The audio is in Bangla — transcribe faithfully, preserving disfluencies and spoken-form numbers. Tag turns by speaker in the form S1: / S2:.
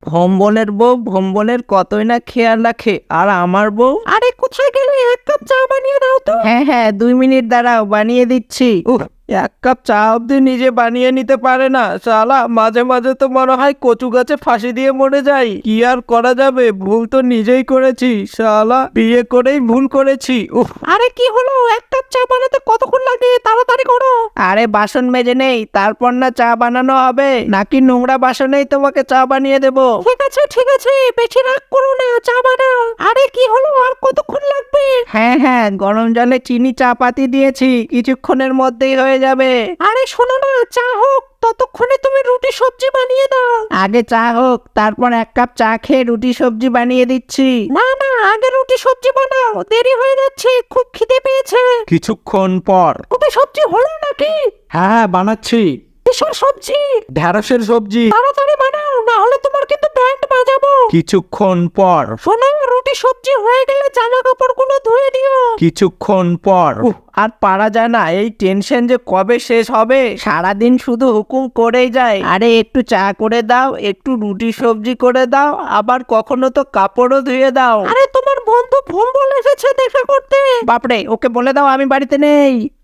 S1: ভম্বলের বউ ভম্বলের কতই না খেয়াল রাখে, আর আমার বউ। আরে কোথায় গেলে, এক কাপ চা বানিয়ে দাও তো। হ্যাঁ হ্যাঁ দুই মিনিট দাঁড়াও, বানিয়ে দিচ্ছি। উহ, এক কাপ চা অব্দি নিজে বানিয়ে নিতে পারে না শালা। মাঝে মাঝে তো মনে হয় কচু গাছে ফাঁসি দিয়ে মরে যাই। কি আর করা যাবে, ভুল তো নিজেই করেছি শালা, বিয়ে করেই ভুল করেছি। উফ, আরে কি হলো, এক কাপ চা বানাতে কতক্ষণ লাগে, তাড়াতাড়ি করো। আরে বাসন মেজে নেই, তারপর না চা বানানো হবে, নাকি নোংরা বাসনেই তোমাকে চা বানিয়ে দেবো? ঠিক আছে ঠিক আছে, বেশি রাগ করো না, চা বানাও। আরে কি হলো, আর কতক্ষণ লাগবে? হ্যাঁ হ্যাঁ গরম জলে চিনি চা পাতি দিয়েছি, কিছুক্ষণের মধ্যেই হয়ে যাবে। আরে শোনো না, চা হোক, ততক্ষণে তুমি রুটি সবজি বানিয়ে দাও। আগে চা হোক, তারপর এক কাপ চা খেয়ে রুটি সবজি বানিয়ে দিচ্ছি। না না, আগে রুটি সবজি বানাও, দেরি হয়ে যাচ্ছে, খুব খিদে পেয়েছে।
S2: কিছুক্ষণ পর।
S1: রুটি সবজি হলো নাকি?
S2: হ্যাঁ হ্যাঁ বানাচ্ছি।
S1: কিসের সবজি?
S2: ঢেঁড়সের সবজি।
S1: তাড়াতাড়ি বানাও, না হলে তোমার কিন্তু ব্যান্ড বাজাবো।
S2: কিছুক্ষণ পর।
S1: শোনো, রুটি সবজি হয়ে গেলে জামা কাপড়গুলো ধুয়ে দিও।
S2: কিছুক্ষণ পর।
S1: উফ, আর পারা যায় না, এই টেনশন যে কবে শেষ হবে। সারাদিন শুধু হুকুম করেই যায়, আরে একটু চা করে দাও, একটু রুটি সবজি করে দাও, আবার কখনো তো কাপড়ও ধুয়ে দাও। আরে তোমার বন্ধু ভম্বল এসেছে দেখা করতে। বাপরে, ওকে বলে দাও আমি বাড়িতে নেই।